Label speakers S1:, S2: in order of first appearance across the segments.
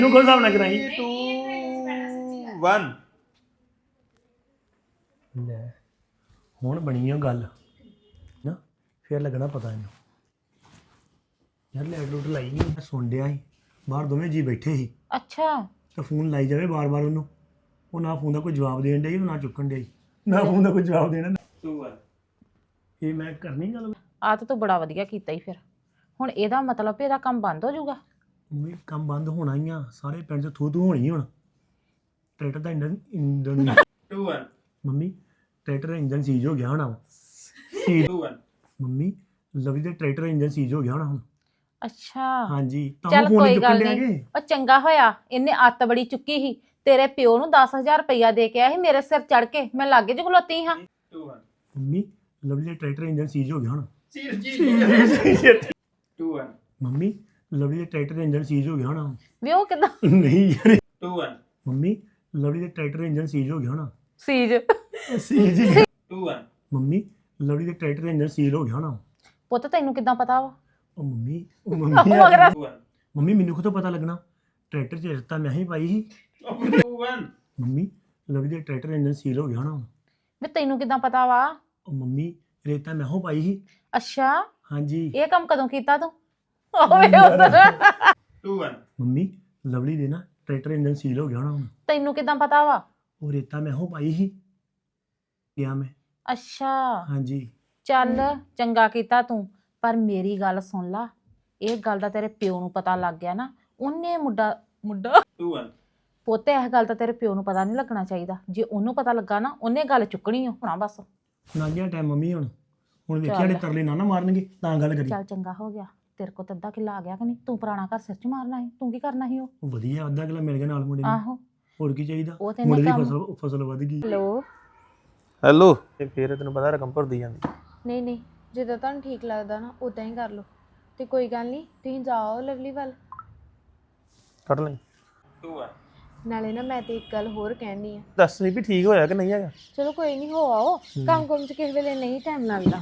S1: ਕਿਉਂ ਕੋਲ ਹਿਸਾਬ ਨਾ ਕਰਾਈ
S2: 2 1
S1: ਲੈ ਹੁਣ ਬਣੀ ਆ ਗੱਲ ਨਾ ਫੇਰ ਲੱਗਣਾ ਪਤਾ ਇਹਨੂੰ ਯਾਰ ਲੈਟ ਲੂਟ ਲਾਈ ਨਹੀਂ ਮੈਂ ਸੁਣ ਡਿਆ ਸੀ ਬਾਹਰ ਦੋਵੇਂ ਜੀ ਬੈਠੇ ਸੀ
S3: ਅੱਛਾ
S1: ਤਾਂ ਫੋਨ ਲਾਈ ਜਾਵੇ ਬਾਰ-ਬਾਰ ਉਹਨੂੰ ਉਹ ਨਾ ਫੋਨ ਦਾ ਕੋਈ ਜਵਾਬ ਦੇਣ ਡਿਆ ਸੀ ਨਾ ਚੁੱਕਣ ਡਿਆ ਸੀ ਨਾ ਫੋਨ ਦਾ ਕੋਈ ਜਵਾਬ ਦੇਣਾ
S2: 2 1
S1: ਇਹ ਮੈਂ ਕਰਨੀ ਗੱਲ
S3: ਆ ਤਾਂ ਤੂੰ ਬੜਾ ਵਧੀਆ ਕੀਤਾ ਹੀ ਫਿਰ ਹੁਣ ਇਹਦਾ ਮਤਲਬ ਵੀ ਇਹਦਾ ਕੰਮ ਬੰਦ ਹੋ ਜਾਊਗਾ
S1: ਮੰਮੀ ਕੰਮ ਬੰਦ ਹੋਣਾ ਹੀ ਆ ਸਾਰੇ ਪਿੰਡ 'ਚ ਥੂ ਹੋਣੀ ਹੁਣ ਟਰੈਕਟਰ ਦਾ ਇੰਜਨ
S2: 2 1
S1: ਮੰਮੀ ਟਰੈਕਟਰ ਦਾ ਇੰਜਨ ਸੀਜ ਹੋ ਗਿਆ ਹੋਣਾ
S2: 2 1
S1: ਮੰਮੀ ਲਵੀ ਦੇ ਟਰੈਕਟਰ ਦਾ ਇੰਜਨ ਸੀਜ ਹੋ ਗਿਆ ਹੋਣਾ ਹੁਣ
S3: ਅੱਛਾ
S1: ਹਾਂਜੀ ਤਾਂ
S3: ਚੱਲ
S1: ਫੋਨ
S3: ਕੋਈ
S1: ਚੁੱਕਣ
S3: ਗੱਲ
S1: ਡਿਆ
S3: ਨਹੀਂ
S1: ਕਿ
S3: ਉਹ ਚੰਗਾ ਹੋਇਆ ਇਹਨੇ ਅੱਤ ਬੜੀ ਚੁੱਕੀ ਸੀ ਤੇਰੇ ਪਿਓ ਨੂੰ 10000 ਰੁਪਇਆ ਦੇ ਕੇ ਆਇਆ ਸੀ ਮੇਰੇ ਸਿਰ ਚੜ ਕੇ ਮੈਂ ਲਾਗੇ ਚ ਖਲੋਤੀ ਹਾਂ
S2: 2 1
S1: ਮੰਮੀ ਲਵਲੀ ਦਾ ਟਰੈਕਟਰ ਇੰਜਨ ਸੀਜ ਹੋ ਗਿਆ ਹੁਣ
S2: ਸੀਰ ਜੀ 2 1
S1: ਮੰਮੀ ਲਵਲੀ ਦਾ ਟਰੈਕਟਰ ਇੰਜਨ ਸੀਜ ਹੋ ਗਿਆ ਹੋਣਾ
S3: ਵੀ ਉਹ ਕਿਦਾਂ
S1: ਨਹੀਂ ਯਾਰ
S2: 2 1
S1: ਮੰਮੀ ਲਵਲੀ ਦਾ ਟਰੈਕਟਰ ਇੰਜਨ ਸੀਜ ਹੋ ਗਿਆ ਹੋਣਾ
S3: ਸੀਜ
S1: ਸੀਜ
S2: 2 1
S1: ਮੰਮੀ ਲਵਲੀ ਦਾ ਟਰੈਕਟਰ ਇੰਜਨ ਸੀਜ ਹੋ ਗਿਆ ਹੋਣਾ
S3: ਪੁੱਤ ਤੈਨੂੰ ਕਿਦਾਂ ਪਤਾ ਵਾ
S1: ਉਹ ਮੰਮੀ ਉਹ
S3: ਮਗਰ
S2: 2 1
S1: ਮੰਮੀ ਮੈਨੂੰ ਖੁਦ ਪਤਾ ਲੱਗਣਾ ਟਰੈਕਟਰ 'ਚ ਰਸਤਾ ਮੈਂ ਹੀ ਪਾਈ ਸੀ
S2: 2 1
S1: ਮੰਮੀ ਲਵਲੀ ਦਾ ਟਰੈਕਟਰ ਇੰਜਨ ਸੀਲ ਹੋ ਗਿਆ ਹੋਣਾ
S3: ਵੀ ਤੈਨੂੰ ਕਿਦਾਂ ਪਤਾ ਵਾ
S1: ਉਹ ਮੰਮੀ ਰੇਤਾ ਮੈਂ ਹੋ ਪਾਈ ਸੀ
S3: ਅੱਛਾ
S1: ਹਾਂਜੀ
S3: ਇਹ ਕੰਮ ਕਦੋਂ ਕੀਤਾ ਤੂੰ ਓਏ ਉਧਰ
S2: 2 1
S1: ਮੰਮੀ ਲਵਲੀ ਦੇ ਨਾ ਟਰੈਕਟਰ ਇੰਜਨ ਸੀਲ ਹੋ ਗਿਆ ਹੋਣਾ ਹੁਣ
S3: ਤੈਨੂੰ ਕਿਦਾਂ ਪਤਾ ਵਾ
S1: ਉਹ ਰੇਤਾ ਮੈਂ ਹੋ ਪਾਈ ਸੀ ਗਿਆ ਮੈਂ
S3: ਅੱਛਾ
S1: ਹਾਂਜੀ
S3: ਚੱਲ ਚੰਗਾ ਕੀਤਾ ਤੂੰ ਪਰ ਮੇਰੀ ਗੱਲ ਸੁਣ ਲਾ ਇਹ ਗੱਲ ਦਾ ਤੇਰੇ ਪਿਓ ਨੂੰ ਪਤਾ ਲੱਗ ਗਿਆ ਨਾ ਉਹਨੇ ਮੁੰਡਾ
S2: 2 1
S3: ਪੋਤੇ ਇਹ ਗੱਲ ਤਾਂ ਤੇਰੇ ਪਿਓ ਨੂੰ ਪਤਾ ਨਹੀਂ ਲੱਗਣਾ ਚਾਹੀਦਾ ਜੇ ਉਹਨੂੰ ਪਤਾ ਲੱਗਾ ਨਾ ਉਹਨੇ ਗੱਲ ਚੁੱਕਣੀ ਹੋਣਾ ਬਸ
S1: ਨਾਂਗਿਆ ਟਾਈਮ ਮੰਮੀ ਹੁਣ ਵੇਖਿਆ ਸਾਡੇ ਤਰਲੇ ਨਾ ਮਾਰਨਗੇ ਤਾਂ ਗੱਲ ਕਰੀ
S3: ਚੱਲ ਚੰਗਾ ਹੋ ਗਿਆ ਤੇਰੇ ਕੋਲ ਤਾਂ ਅੱਧਾ ਕਿੱਲਾ ਆ ਗਿਆ ਕਿ ਨਹੀਂ ਤੂੰ ਪੁਰਾਣਾ ਘਰ ਸਿਰ 'ਚ ਮਾਰਨਾ ਹੈ ਤੂੰ ਕੀ ਕਰਨਾ ਸੀ ਉਹ
S1: ਉਹ ਵਧੀਆ ਅੱਧਾ ਕਿਲਾ ਮਿਲ ਗਿਆ ਨਾਲ ਮੁੰਡੇ ਨੂੰ
S3: ਆਹੋ
S1: ਹੋਰ ਕੀ ਚਾਹੀਦਾ
S3: ਉਹ ਤੇ
S1: ਮੁੰਡੇ ਦੀ
S3: ਕੰਮ
S1: ਫਸਲ ਵਧ ਗਈ
S3: ਹੈਲੋ
S4: ਹੈਲੋ
S1: ਤੇ ਫੇਰ ਤੈਨੂੰ ਪਤਾ ਰਕਮ ਭਰਦੀ ਜਾਂਦੀ
S5: ਨਹੀਂ ਨਹੀਂ ਜਿੱਦਾਂ ਤੁਹਾਨੂੰ ਠੀਕ ਲੱਗਦਾ ਨਾ ਉਦਾਂ ਹੀ ਕਰ ਲਓ ਤੇ ਕੋਈ ਗੱਲ ਨਹੀਂ ਤੁਸੀਂ ਜਾਓ ਲਵਲੀ ਵੱਲ
S4: ਕੱਢ ਲਈ
S2: 2 1
S5: ਨਾਲੇ ਨਾ ਮੈਂ ਤੇ ਇੱਕ ਗੱਲ ਹੋਰ ਕਹਿਣੀ ਆ
S4: ਦੱਸ ਵੀ ਠੀਕ ਹੋਇਆ ਕਿ ਨਹੀਂ ਹੈਗਾ
S5: ਚਲੋ ਕੋਈ ਨਹੀਂ ਹੋ ਆਓ ਕੰਮ ਕੰਮ ਚ ਕਿਸੇ ਵੇਲੇ ਨਹੀਂ ਟਾਈਮ ਲੱਗਦਾ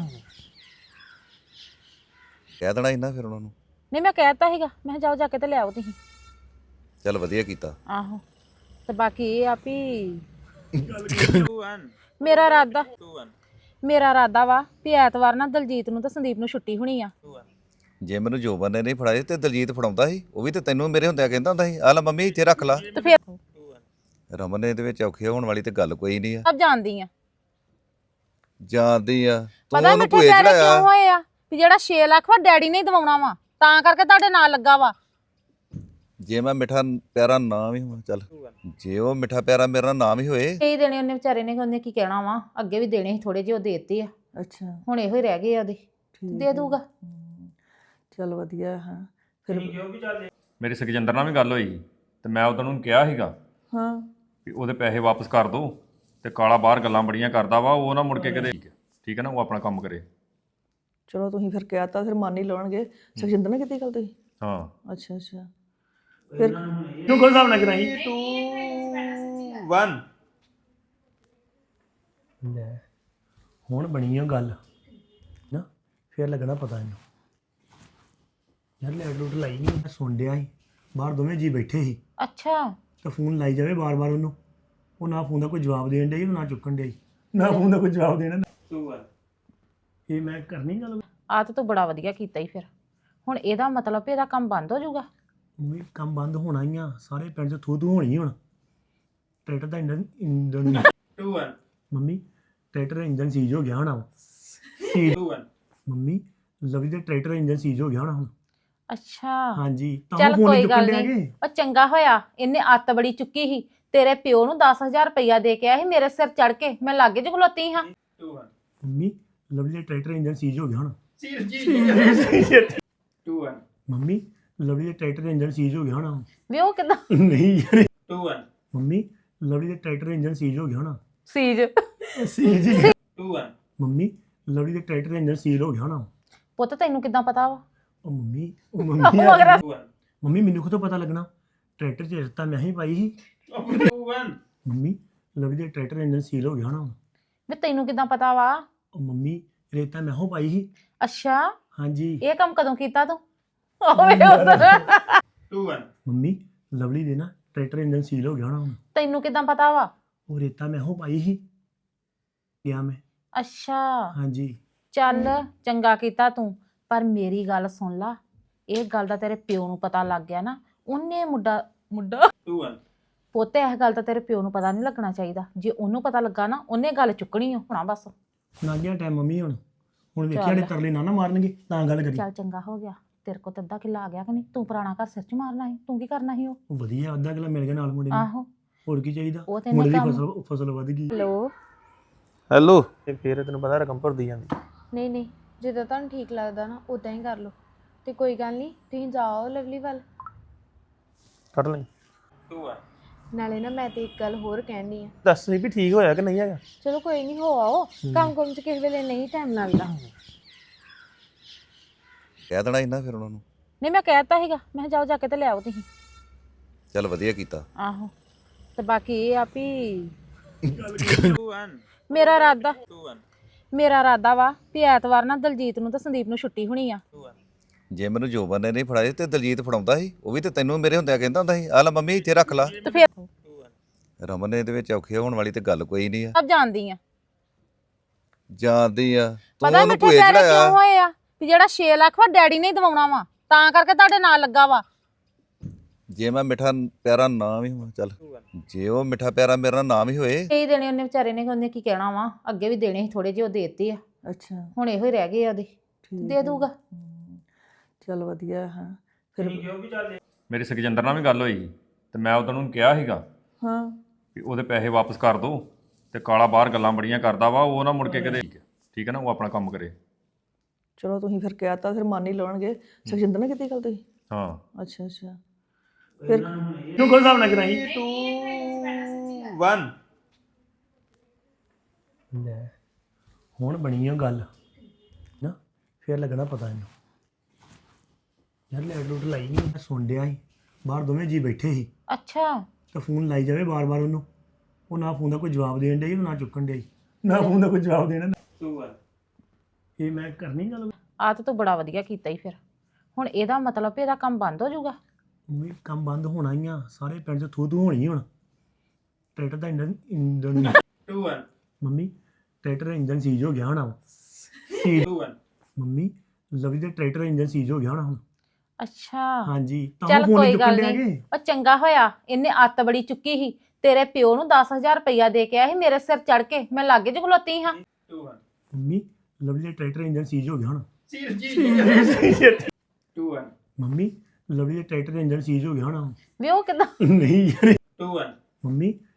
S6: ਕਹਿ ਦੇਣਾ ਇਹਨਾਂ ਫਿਰ ਉਹਨਾਂ ਨੂੰ
S3: ਨਹੀਂ ਮੈਂ ਕਹਿਤਾ ਸੀਗਾ ਮੈਂ ਕਿਹਾ ਜਾਓ ਜਾ ਕੇ ਤੇ ਲਿਆਓ ਤੁਸੀਂ
S6: ਚੱਲ ਵਧੀਆ ਕੀਤਾ
S3: ਆਹੋ ਤੇ ਬਾਕੀ ਇਹ ਆ ਵੀ
S2: 2 1
S3: ਮੇਰਾ ਇਰਾਦਾ
S2: 2 1
S3: ਮੇਰਾ ਇਰਾਦਾ ਵਾ ਵੀ ਐਤਵਾਰ ਨਾ ਦਲਜੀਤ ਨੂੰ ਤੇ ਸੰਦੀਪ ਨੂੰ ਛੁੱਟੀ ਹੋਣੀ ਆ
S2: 2 1
S6: ਜੇ ਮੈਨੂੰ ਜੋਬਨ ਨੇ ਨਹੀਂ ਫੜਾਏ ਤੇ ਦਲਜੀਤ ਫੜਾਉਂਦਾ ਸੀ ਉਹ ਵੀ ਤੇ ਤੈਨੂੰ ਮੇਰੇ ਹੁੰਦਿਆਂ ਕਹਿੰਦਾ ਹੁੰਦਾ ਸੀ ਆ ਲੈ ਮੰਮੀ ਇੱਥੇ ਰੱਖ ਲਾ
S3: ਤੇ ਫਿਰ
S2: 2 1
S6: ਰਮਨ ਨੇ ਇਹਦੇ ਵਿੱਚ ਔਖੇ ਹੋਣ ਵਾਲੀ ਤੇ ਗੱਲ ਕੋਈ ਨਹੀਂ ਆ
S3: ਸਭ ਜਾਣਦੀ ਆ
S6: ਜਾਣਦੀ ਆ ਤੂੰ
S3: ਪਤਾ
S6: ਉਹਨੂੰ
S3: ਮਿੱਠੇ
S6: ਭੂਏ
S3: ਪੈਰੇ ਕਿਉਂ
S6: ਚੜਾਇਆ
S3: ਹੋਏ ਆ ਵੀ ਜਿਹੜਾ 6 ਲੱਖ ਵਾ ਡੈਡੀ ਨੇ ਹੀ ਦਵਾਉਣਾ ਵਾ ਤਾਂ ਕਰਕੇ ਤੁਹਾਡੇ ਨਾਲ ਲੱਗਾ ਵਾ
S6: ਜੇ ਮੈਂ ਮਿੱਠਾ ਪਿਆਰਾ ਨਾ ਵੀ ਹੋਵਾਂ ਚੱਲ ਜੇ ਉਹ ਮਿੱਠਾ ਪਿਆਰਾ ਮੇਰਾ ਨਾਮ ਹੀ ਹੋਏ
S3: ਇਹ ਦੇਣੇ ਉਹਨੇ ਵਿਚਾਰੇ ਨੇ ਉਹਨੇ ਕੀ ਕਹਿਣਾ ਵਾ ਅੱਗੇ ਵੀ ਦੇਣੇ ਸੀ ਥੋੜੇ ਜਿਹੇ ਉਹ ਦੇਤੇ ਆ
S7: ਅੱਛਾ
S3: ਹੁਣ ਇਹੋ ਹੀ ਰਹਿ ਗਏ ਆ ਉਹਦੇ ਦੇ ਦੂਗਾ
S7: ਚਲ ਵਧੀਆ ਹਾਂ ਫਿਰ
S8: ਮੇਰੀ ਸੁਖਜਿੰਦਰ ਨਾਲ ਵੀ ਗੱਲ ਹੋਈ ਤੇ ਮੈਂ ਉਹਨਾਂ ਨੂੰ ਕਿਹਾ ਸੀਗਾ
S7: ਹਾਂ
S8: ਵੀ ਉਹਦੇ ਪੈਸੇ ਵਾਪਸ ਕਰ ਦਿਓ ਤੇ ਕਾਲਾ ਬਾਹਰ ਗੱਲਾਂ ਬੜੀਆਂ ਕਰਦਾ ਵਾ ਉਹ ਨਾ ਮੁੜ ਕੇ ਕਦੇ ਠੀਕ ਹੈ ਨਾ ਉਹ ਆਪਣਾ ਕੰਮ ਕਰੇ
S7: ਚਲੋ ਤੁਸੀਂ ਫਿਰ ਕਿਹਾ ਤਾਂ ਫਿਰ ਮੰਨ ਹੀ ਲਵਣਗੇ ਸੁਖਜਿੰਦਰ ਨੇ ਕੀਤੀ ਗੱਲ ਤੁਸੀਂ
S8: ਹਾਂ
S7: ਅੱਛਾ ਅੱਛਾ
S1: ਕਿਉਂ ਕੋਲ ਹਿਸਾਬ ਨਾ ਕਰਾਈ
S2: 2 1
S1: ਲੈ ਹੁਣ ਬਣੀ ਆ ਗੱਲ ਨਾ ਫੇਰ ਲੱਗਣਾ ਪਤਾ ਇਹਨੂੰ ਯਾਰ ਲੈਟ ਲੂਟ ਲਾਈ ਨਹੀਂ ਮੈਂ ਸੁਣ ਡਿਆ ਸੀ ਬਾਹਰ ਦੋਵੇਂ ਜੀ ਬੈਠੇ ਸੀ
S3: ਅੱਛਾ
S1: ਤਾਂ ਫੋਨ ਲਾਈ ਜਾਵੇ ਬਾਰ-ਬਾਰ ਉਹਨੂੰ ਉਹ ਨਾ ਫੋਨ ਦਾ ਕੋਈ ਜਵਾਬ ਦੇਣ ਡਿਆ ਸੀ ਨਾ ਚੁੱਕਣ ਡਿਆ ਸੀ ਨਾ ਫੋਨ ਦਾ ਕੋਈ ਜਵਾਬ ਦੇਣਾ
S2: 2 1
S1: ਇਹ ਮੈਂ ਕਰਨੀ ਗੱਲ
S3: ਆ ਤਾਂ ਤੂੰ ਬੜਾ ਵਧੀਆ ਕੀਤਾ ਹੀ ਫਿਰ ਹੁਣ ਇਹਦਾ ਮਤਲਬ ਵੀ ਇਹਦਾ ਕੰਮ ਬੰਦ ਹੋ ਜਾਊਗਾ
S1: ਮੰਮੀ ਕੰਮ ਬੰਦ ਹੋਣਾ ਹੀ ਆ ਸਾਰੇ ਪਿੰਡ 'ਚ ਥੂ ਹੋਣੀ ਹੁਣ ਟਰੈਕਟਰ ਦਾ ਇੰਜਨ
S2: 2 1
S1: ਮੰਮੀ ਟਰੈਕਟਰ ਦਾ ਇੰਜਨ ਸੀਜ ਹੋ ਗਿਆ ਹੋਣਾ
S2: 2 1
S1: ਮੰਮੀ ਲਵੀ ਦੇ ਟਰੈਕਟਰ ਦਾ ਇੰਜਨ ਸੀਜ ਹੋ ਗਿਆ ਹੋਣਾ ਹੁਣ
S3: ਅੱਛਾ
S1: ਹਾਂਜੀ ਤਾਂ
S3: ਚੱਲ
S1: ਫੋਨ
S3: ਕੋਈ
S1: ਚੁੱਕਣ
S3: ਗੱਲ
S1: ਡਿਆ
S3: ਨਹੀਂ
S1: ਕਿ
S3: ਉਹ ਚੰਗਾ ਹੋਇਆ ਇਹਨੇ ਅੱਤ ਬੜੀ ਚੁੱਕੀ ਸੀ ਤੇਰੇ ਪਿਓ ਨੂੰ 10000 ਰੁਪਇਆ ਦੇ ਕੇ ਆਇਆ ਸੀ ਮੇਰੇ ਸਿਰ ਚੜ ਕੇ ਮੈਂ ਲਾਗੇ ਚ ਖਲੋਤੀ ਹਾਂ
S2: 2 1
S1: ਮੰਮੀ ਲਵਲੀ ਦਾ ਟਰੈਕਟਰ ਇੰਜਨ ਸੀਜ ਹੋ ਗਿਆ ਹੋਣਾ
S2: ਸੀਰ ਜੀ 2 1
S1: ਮੰਮੀ ਲਵਲੀ ਦੇ ਟਰੈਕਟਰ ਦਾ ਇੰਜਨ ਸੀਜ ਹੋ ਗਿਆ ਹੋਣਾ
S3: ਵੀ ਉਹ ਕਿਦਾਂ
S1: ਨਹੀਂ ਯਾਰ
S2: 2 1
S1: ਮੰਮੀ ਲਵਲੀ ਦੇ ਟਰੈਕਟਰ ਦਾ ਇੰਜਨ ਸੀਜ ਹੋ ਗਿਆ ਹੋਣਾ
S3: ਸੀਜ
S1: ਸੀਜ
S2: 2 1
S1: ਮੰਮੀ ਲਵਲੀ ਦੇ ਟਰੈਕਟਰ ਦਾ ਇੰਜਨ ਸੀਜ ਹੋ ਗਿਆ ਹੋਣਾ
S3: ਪੁੱਤ ਤੈਨੂੰ ਕਿਦਾਂ ਪਤਾ ਵਾ
S1: ਉਹ ਮੰਮੀ
S3: ਮਗਰ
S2: 2 1
S1: ਮੰਮੀ ਮੈਨੂੰ ਖੁਦ ਪਤਾ ਲੱਗਣਾ ਟਰੈਕਟਰ 'ਚ ਰਸਤਾ ਮੈਂ ਹੀ ਪਾਈ ਸੀ
S2: 2 1
S1: ਮੰਮੀ ਲਵਲੀ ਦੇ ਟਰੈਕਟਰ ਦਾ ਇੰਜਨ ਸੀਲ ਹੋ ਗਿਆ ਹੋਣਾ
S3: ਵੀ ਤੈਨੂੰ ਕਿਦਾਂ ਪਤਾ ਵਾ
S1: ਉਹ ਮੰਮੀ ਰੇਤਾ ਮੈਂ ਹੋ ਪਾਈ ਸੀ
S3: ਅੱਛਾ
S1: ਹਾਂਜੀ
S3: ਇਹ ਕੰਮ ਕਦੋਂ ਕੀਤਾ ਤੂੰ ਓਏ ਉਧਰ
S2: 2 1
S1: ਮੰਮੀ ਲਵਲੀ ਦੇ ਨਾ ਟਰੈਕਟਰ ਇੰਜਨ ਸੀਲ ਹੋ ਗਿਆ ਹੋਣਾ ਹੁਣ
S3: ਤੈਨੂੰ ਕਿਦਾਂ ਪਤਾ ਵਾ?
S1: ਉਹ ਰੇਤਾ ਮੈਂ ਉਹ ਪਾਈ ਸੀ ਗਿਆ ਮੈਂ
S3: ਅੱਛਾ
S1: ਹਾਂਜੀ
S3: ਚੱਲ ਚੰਗਾ ਕੀਤਾ ਤੂੰ, ਪਰ ਮੇਰੀ ਗੱਲ ਸੁਣ ਲਾ, ਇਹ ਗੱਲ ਦਾ ਤੇਰੇ ਪਿਓ ਨੂੰ ਪਤਾ ਲੱਗ ਗਿਆ ਨਾ, ਉਹਨੇ ਮੁੰਡਾ
S2: 2 1
S3: ਪੋਤੇ ਇਹ ਗੱਲ ਤਾਂ ਤੇਰੇ ਪਿਓ ਨੂੰ ਪਤਾ ਨਹੀਂ ਲੱਗਣਾ ਚਾਹੀਦਾ। ਜੇ ਉਹਨੂੰ ਪਤਾ ਲੱਗਾ ਨਾ ਉਹਨੇ ਗੱਲ ਚੁੱਕਣੀ ਹੋਣਾ ਬਸ।
S1: ਨਾਗਿਆ ਟਾਈਮ ਮੰਮੀ ਹੁਣ ਵੇਖਿਆ
S3: ਚੱਲ।
S1: ਨੇ ਤਰਲੇ ਨਾ ਮਾਰਨਗੇ ਤਾਂ ਗੱਲ ਕਰੀ
S3: ਚੱਲ ਚੰਗਾ ਹੋ ਗਿਆ, ਤੇਰੇ ਕੋਲ ਤਾਂ ਅੱਧਾ ਕਿੱਲਾ ਆ ਗਿਆ ਕਿ ਨਹੀਂ? ਤੂੰ ਪੁਰਾਣਾ ਘਰ ਸਿਰ 'ਚ ਮਾਰਨਾ ਸੀ, ਤੂੰ ਕੀ ਕਰਨਾ ਸੀ? ਉਹ
S1: ਉਹ ਵਧੀਆ ਅੱਧਾ ਕਿਲਾ ਮਿਲ ਗਿਆ ਨਾਲ ਮੁੰਡੇ ਨੂੰ
S3: ਆਹੋ
S1: ਹੋਰ ਕੀ ਚਾਹੀਦਾ
S3: ਉਹ ਤੇ
S1: ਮੁੰਡੇ
S3: ਇਹਨੇ
S1: ਦੀ
S3: ਕੰਮ
S1: ਫਸਲ ਵਧ ਗਈ
S3: ਹੈਲੋ
S4: ਹੈਲੋ ਤੇ ਫੇਰ ਤੈਨੂੰ ਪਤਾ ਰਕਮ ਭਰਦੀ ਜਾਂਦੀ
S5: ਨਹੀਂ ਨਹੀਂ ਜਿੱਦਾਂ ਤੁਹਾਨੂੰ ਠੀਕ ਲੱਗਦਾ ਨਾ ਉਦਾਂ ਹੀ ਕਰ ਲਓ ਤੇ ਕੋਈ ਗੱਲ ਨਹੀਂ ਤੁਸੀਂ ਜਾਓ ਲਵਲੀ ਵੱਲ।
S4: ਕੱਢ ਲਈ
S2: 2 1
S5: ਨਾਲੇ ਨਾ ਮੈਂ ਤੇ ਇੱਕ ਗੱਲ ਹੋਰ ਕਹਿਣੀ ਆ।
S4: ਦੱਸ ਸੀ ਵੀ ਠੀਕ ਹੋਇਆ ਕਿ ਨਹੀਂ ਹੈਗਾ।
S5: ਚਲੋ ਕੋਈ ਨਹੀਂ ਹੋ ਆਓ, ਕੰਮ ਕੁਮ ਚ ਕਿਸੇ ਵੇਲੇ ਨਹੀਂ ਟਾਈਮ ਲੱਗਦਾ।
S6: ਕਹਿ ਦੇਣਾ ਇਹਨਾਂ ਫਿਰ ਉਹਨਾਂ ਨੂੰ।
S3: ਨਹੀਂ ਮੈਂ ਕਹਿਤਾ ਸੀਗਾ, ਮੈਂ ਕਿਹਾ ਜਾਓ ਜਾ ਕੇ ਤੇ ਲਿਆਓ ਤੁਸੀਂ।
S6: ਚੱਲ ਵਧੀਆ ਕੀਤਾ।
S3: ਆਹੋ ਤੇ ਬਾਕੀ ਇਹ ਆ ਵੀ
S2: 2 1
S3: ਮੇਰਾ ਇਰਾਦਾ
S2: 2 1
S3: ਮੇਰਾ ਇਰਾਦਾ ਵਾ ਵੀ ਐਤਵਾਰ ਨਾ ਦਲਜੀਤ ਨੂੰ ਤੇ ਸੰਦੀਪ ਨੂੰ ਛੁੱਟੀ ਹੋਣੀ ਆ।
S2: 2 1
S6: ਜੇ ਮੈਨੂੰ ਜੋਬਨ ਨੇ ਨਹੀਂ ਫੜਾਏ ਤੇ ਦਲਜੀਤ ਫੜਾਉਂਦਾ ਸੀ, ਉਹ ਵੀ ਤੇ ਤੈਨੂੰ ਮੇਰੇ ਹੁੰਦਿਆਂ ਕਹਿੰਦਾ ਹੁੰਦਾ ਸੀ ਆ ਲੈ ਮੰਮੀ ਇੱਥੇ ਰੱਖ ਲਾ।
S3: ਤੇ ਫਿਰ
S2: 2 1
S6: ਰਮਨ ਨੇ ਇਹਦੇ ਵਿੱਚ ਔਖੇ ਹੋਣ ਵਾਲੀ ਤੇ ਗੱਲ ਕੋਈ ਨਹੀਂ ਆ।
S3: ਸਭ ਜਾਣਦੀ ਆ।
S6: ਜਾਣਦੀ ਆ ਤੂੰ
S3: ਪਤਾ
S6: ਉਹਨੂੰ
S3: ਮਿੱਠੇ
S6: ਭੂਏ
S3: ਪੈਰੇ ਕਿਉਂ
S6: ਚੜਾਇਆ।
S3: ਹੋਏ ਆ ਵੀ ਜਿਹੜਾ 6 ਲੱਖ ਵਾ ਡੈਡੀ ਨੇ ਹੀ ਦਵਾਉਣਾ ਵਾ, ਤਾਂ ਕਰਕੇ ਤੁਹਾਡੇ ਨਾਲ ਲੱਗਾ ਵਾ।
S6: ਜੇ ਮੈਂ ਮਿੱਠਾ ਪਿਆਰਾ ਨਾਮ ਹੀ ਹੋਵਾਂ ਚੱਲ ਜੇ ਉਹ ਮਿੱਠਾ ਪਿਆਰਾ ਮੇਰਾ ਨਾਮ ਹੀ ਹੋਏ।
S3: ਇਹ ਦੇਣੇ ਉਹਨੇ ਵਿਚਾਰੇ ਨੇ, ਉਹਨੇ ਕੀ ਕਹਿਣਾ ਵਾ, ਅੱਗੇ ਵੀ ਦੇਣੇ ਸੀ ਥੋੜੇ ਜਿਹੇ, ਉਹ ਦੇਤੇ ਆ,
S7: ਅੱਛਾ
S3: ਹੁਣ ਇਹੋ ਹੀ ਰਹਿ ਗਏ ਆ ਉਹਦੇ, ਦੇ ਦੂਗਾ।
S7: ਚਲ ਵਧੀਆ ਹਾਂ ਫਿਰ।
S8: ਮੇਰੀ ਸੁਖਜਿੰਦਰ ਨਾਲ ਵੀ ਗੱਲ ਹੋਈ ਸੀ ਤੇ ਮੈਂ ਉਹਨਾਂ ਨੂੰ ਕਿਹਾ ਸੀਗਾ
S7: ਹਾਂ
S8: ਵੀ ਉਹਦੇ ਪੈਸੇ ਵਾਪਸ ਕਰ ਦੋ, ਤੇ ਕਾਲਾ ਬਾਹਰ ਗੱਲਾਂ ਬੜੀਆਂ ਕਰਦਾ ਵਾ, ਉਹ ਨਾ ਮੁੜ ਕੇ ਕਦੇ ਠੀਕ ਹੈ ਨਾ, ਉਹ ਆਪਣਾ ਕੰਮ ਕਰੇ।
S7: ਚਲੋ ਤੁਸੀਂ ਫਿਰ ਕਿਹਾ ਤਾਂ ਫਿਰ ਮੰਨ ਹੀ ਲਵਣਗੇ। ਸੁਖਜਿੰਦਰ ਨਾਲ ਕੀਤੀ ਗੱਲ ਤੁਸੀਂ?
S8: ਹਾਂ
S7: ਅੱਛਾ ਅੱਛਾ ਫਿਰ
S1: ਤੂੰ ਕੋਈ ਹਿਸਾਬ ਨਾ ਕਰਾਈ
S2: 2 1
S1: ਲੈ ਹੁਣ ਬਣੀ ਆ ਗੱਲ ਨਾ ਫੇਰ ਲੱਗਣਾ ਪਤਾ ਇਹਨੂੰ ਯਾਰ ਲੈਟ ਲੂਟ ਲਾਈ ਨਹੀਂ ਮੈਂ ਸੁਣ ਡਿਆ ਸੀ ਬਾਹਰ ਦੋਵੇਂ ਜੀ ਬੈਠੇ ਸੀ
S3: ਅੱਛਾ
S1: ਤਾਂ ਫੋਨ ਲਾਈ ਜਾਵੇ ਬਾਰ-ਬਾਰ ਉਹਨੂੰ, ਉਹ ਨਾ ਫੋਨ ਦਾ ਕੋਈ ਜਵਾਬ ਦੇਣ ਡਿਆ ਸੀ ਨਾ ਚੁੱਕਣ ਡਿਆ ਸੀ, ਨਾ ਫੋਨ ਦਾ ਕੋਈ ਜਵਾਬ ਦੇਣਾ
S2: 2 1
S1: ਇਹ ਮੈਂ ਕਰਨੀ ਗੱਲ
S3: ਆ ਤਾਂ ਤੂੰ ਬੜਾ ਵਧੀਆ ਕੀਤਾ ਹੀ। ਫਿਰ ਹੁਣ ਇਹਦਾ ਮਤਲਬ ਵੀ ਇਹਦਾ ਕੰਮ ਬੰਦ ਹੋ ਜਾਊਗਾ।
S1: ਵੀ ਕੰਮ ਬੰਦ ਹੋਣਾ ਹੀ ਆ, ਸਾਰੇ ਪਿੰਡ 'ਚ ਥੂ ਹੋਣੀ ਹੁਣ। ਟਰੈਕਟਰ ਦਾ ਇੰਜਨ
S2: 2 1
S1: ਮੰਮੀ ਟਰੈਕਟਰ ਦਾ ਇੰਜਨ ਸੀਜ ਹੋ ਗਿਆ ਹੋਣਾ ਵਾ। ਸੀਜ
S2: 2 1
S1: ਮੰਮੀ ਲਵੀ ਦੇ ਟਰੈਕਟਰ ਦਾ ਇੰਜਨ ਸੀਜ ਹੋ ਗਿਆ ਹੋਣਾ ਹੁਣ।
S3: ਅੱਛਾ
S1: ਹਾਂਜੀ ਤਾਂ
S3: ਚੱਲ
S1: ਫੋਨ
S3: ਕੋਈ
S1: ਚੁੱਕਣ
S3: ਗੱਲ
S1: ਡਿਆ
S3: ਨਹੀਂ,
S1: ਕਿ
S3: ਉਹ ਚੰਗਾ ਹੋਇਆ ਇਹਨੇ ਅੱਤ ਬੜੀ ਚੁੱਕੀ ਸੀ। ਤੇਰੇ ਪਿਓ ਨੂੰ 10,000 ਰੁਪਈਆ ਦੇ ਕੇ ਆਇਆ ਸੀ ਮੇਰੇ ਸਿਰ ਚੜ ਕੇ, ਮੈਂ ਲਾਗੇ ਚ ਖਲੋਤੀ ਹਾਂ।
S2: 2 1
S1: ਮੰਮੀ ਲਵਲੀ ਦੇ ਟਰੈਕਟਰ ਇੰਜਨ ਸੀਜ ਹੋ ਗਿਆ ਹੁਣ।
S2: 2 1
S1: ਮੰਮੀ ਲਵਲੀ ਦੇ ਟਰੈਕਟਰ ਦਾ ਇੰਜਨ ਸੀਜ ਹੋ ਗਿਆ ਹੋਣਾ
S3: ਵੀ ਉਹ ਕਿਦਾਂ?
S1: ਨਹੀਂ ਯਾਰ
S2: 2 1
S1: ਮੰਮੀ